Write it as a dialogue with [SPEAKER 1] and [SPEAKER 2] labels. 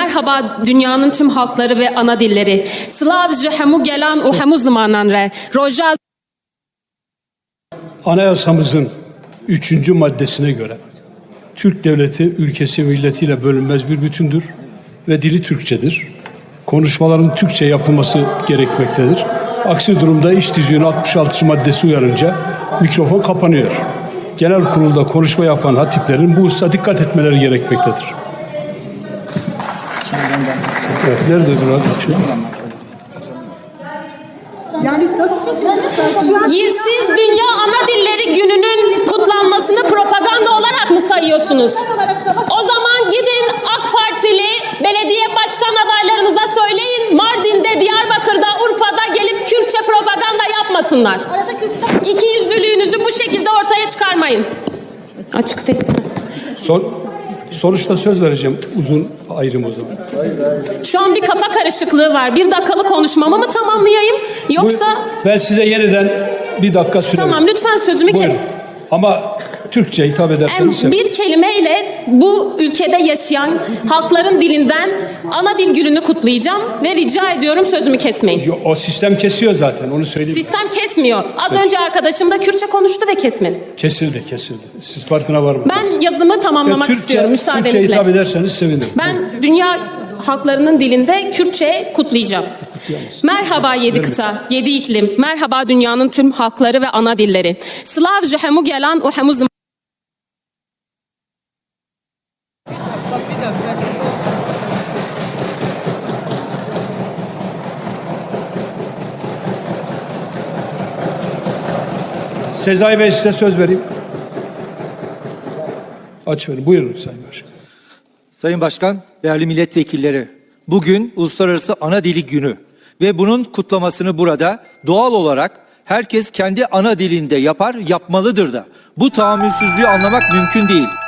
[SPEAKER 1] Merhaba dünyanın tüm halkları ve ana dilleri. Slavje hemu gelan u hemu zamanan re. Roja
[SPEAKER 2] Anayasamızın 3. maddesine göre Türk devleti ülkesi milletiyle bölünmez bir bütündür ve dili Türkçedir. Konuşmaların Türkçe yapılması gerekmektedir. Aksi durumda iş tüzüğünün 66. maddesi uyarınca mikrofon kapanıyor. Genel kurulda konuşma yapan hatiplerin bu hususa dikkat etmeleri gerekmektedir. Evet, nerede burada?
[SPEAKER 3] Yani nasılsınız?
[SPEAKER 1] Yersiz Dünya Ana Dilleri Günü'nün kutlanmasını propaganda olarak mı sayıyorsunuz? O zaman gidin AK Partili belediye başkan adaylarınıza söyleyin, Mardin'de, Diyarbakır'da, Urfa'da gelip Kürtçe propaganda yapmasınlar. İkiyüzlülüğünüzü bu şekilde ortaya çıkarmayın. Açık değil.
[SPEAKER 2] Sonuçta söz vereceğim, uzun ayrım o zaman.
[SPEAKER 1] Şu an bir kafa karışıklığı var. 1 dakikalık konuşmamı mı tamamlayayım yoksa...
[SPEAKER 2] Ben size yeniden 1 dakika süre
[SPEAKER 1] Tamam, lütfen sözümü...
[SPEAKER 2] Buyurun. Ama Türkçe hitap ederseniz...
[SPEAKER 1] Bir kelimeyle bu ülkede yaşayan halkların dilinden ana dil gününü kutlayacağım ve rica ediyorum sözümü kesmeyin.
[SPEAKER 2] O sistem kesiyor zaten, onu söyleyeyim.
[SPEAKER 1] Sistem kesmiyor. Az önce arkadaşım da Kürtçe konuştu ve kesmedi.
[SPEAKER 2] Kesildi. Siz farkına varmadınız.
[SPEAKER 1] Ben yazımı tamamlamak istiyorum müsaadenizle.
[SPEAKER 2] Türkçe hitap ederseniz sevinirim.
[SPEAKER 1] Ben dünya halklarının dilinde Kürtçe kutlayacağım. Merhaba 7 kıta, 7 iklim. Merhaba dünyanın tüm halkları ve ana dilleri. Slavje hemu gelan u hemu zım...
[SPEAKER 2] Sezai Bey, size söz vereyim. Aç verin. Buyurun Sayın Başkan.
[SPEAKER 4] Sayın Başkan, değerli milletvekilleri, bugün Uluslararası Ana Dili Günü ve bunun kutlamasını burada doğal olarak herkes kendi ana dilinde yapar, yapmalıdır da. Bu tahammülsüzlüğü anlamak mümkün değil.